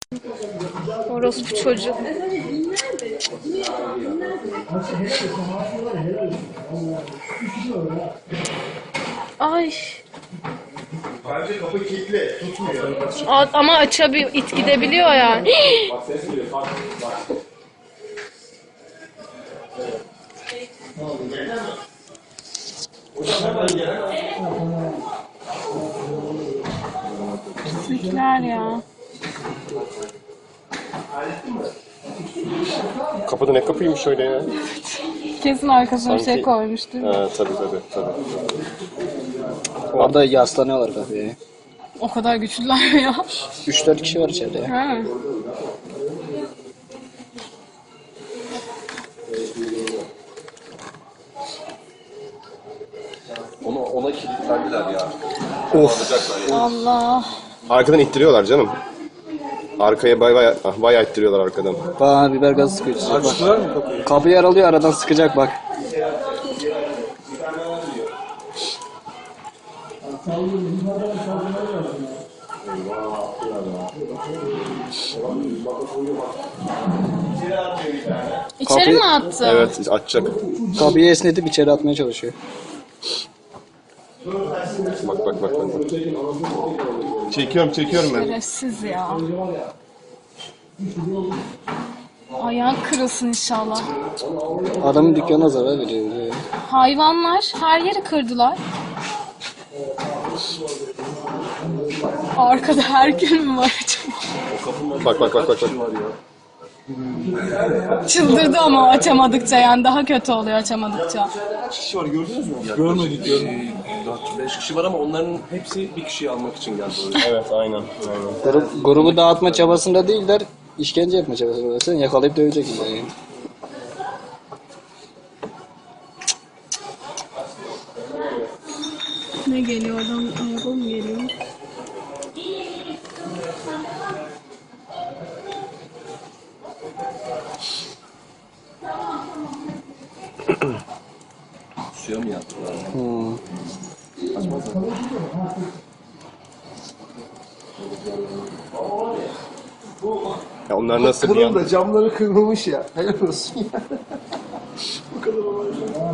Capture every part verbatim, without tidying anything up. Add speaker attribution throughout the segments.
Speaker 1: Orospu çocuk. Ay.
Speaker 2: Bence kapı kilitli, tutmuyor.
Speaker 1: A- Ama açabiliyor, it gidebiliyor yani.
Speaker 2: Bak ses geliyor, bak. Bak.
Speaker 1: Pislikler ya.
Speaker 3: Kapıda ne kapıymış öyle ya?
Speaker 1: Kesin arkasına bir şey
Speaker 3: Sanki-
Speaker 1: koymuştur.
Speaker 3: Ha, tabii tabii tabii.
Speaker 4: Orada yaslanıyorlar kafeye.
Speaker 1: O kadar güçlüler mi ya?
Speaker 4: üç dört kişi var içeride ya.
Speaker 1: Ha.
Speaker 2: Ona, ona kilitlendiler ya.
Speaker 3: Of.
Speaker 1: Allah.
Speaker 3: Arkadan ittiriyorlar canım. Arkaya bay bay bayağı ittiriyorlar arkadan.
Speaker 4: Bana biber gazı sıkıyor. içecek bak.
Speaker 2: Açtılar mı kapıyı?
Speaker 4: Kapıyı aralıyor, aradan sıkacak bak.
Speaker 1: İçeri
Speaker 4: Kapıyı-
Speaker 1: mi attı?
Speaker 3: Evet açacak.
Speaker 4: Kapıyı esnetip içeri atmaya çalışıyor.
Speaker 3: Bak bak bak. bak. Çekiyorum çekiyorum ben.
Speaker 1: Şerefsiz ya. Ayağın kırılsın inşallah.
Speaker 4: Adamın dükkanına zarar veriyor. diyor.
Speaker 1: Hayvanlar her yeri kırdılar. Arkada her gün mü var acaba?
Speaker 3: Bak bak bak bak. bak.
Speaker 1: Çıldırdı ama açamadıkça, yani daha kötü oluyor açamadıkça.
Speaker 2: Kaç kişi var gördünüz mü? Görmedik görmedik. dört beş kişi var ama onların hepsi bir kişiyi almak için geldi oraya.
Speaker 3: Evet aynen. aynen.
Speaker 4: Grup, grubu dağıtma çabasında değiller, işkence yapma çabasında. Sen yakalayıp dövecek yani.
Speaker 1: Ne geliyor oradan? Araba mı geliyor?
Speaker 2: Suya mı yattılar?
Speaker 4: Hmm.
Speaker 3: Ya onlar nasıl bir yan?
Speaker 2: da camları kırılmış ya. Helal olsun ya. Bu kadar olay.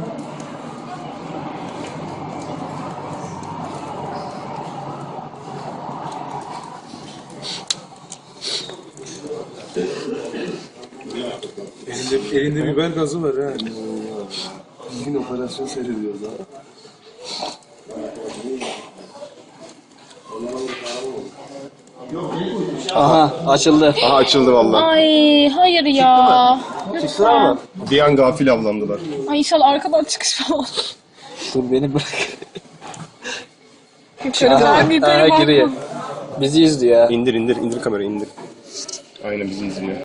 Speaker 5: Elinde, elinde biber gazı var ha.
Speaker 2: Bugün operasyon seyrediyoruz ha.
Speaker 4: Aha, açıldı.
Speaker 3: Aha açıldı vallahi.
Speaker 1: Ay hayır ya. Lütfen.
Speaker 3: Bir an gafil avlandılar.
Speaker 1: Ay inşallah arkadan çıkış falan.
Speaker 4: Dur beni bırak.
Speaker 1: Yukarı
Speaker 4: Aha,
Speaker 1: ben yukarı
Speaker 4: aha, giriyor.
Speaker 1: bakma.
Speaker 4: Bizi izliyor ya.
Speaker 3: İndir indir indir kamerayı indir. Aynen bizi izliyor.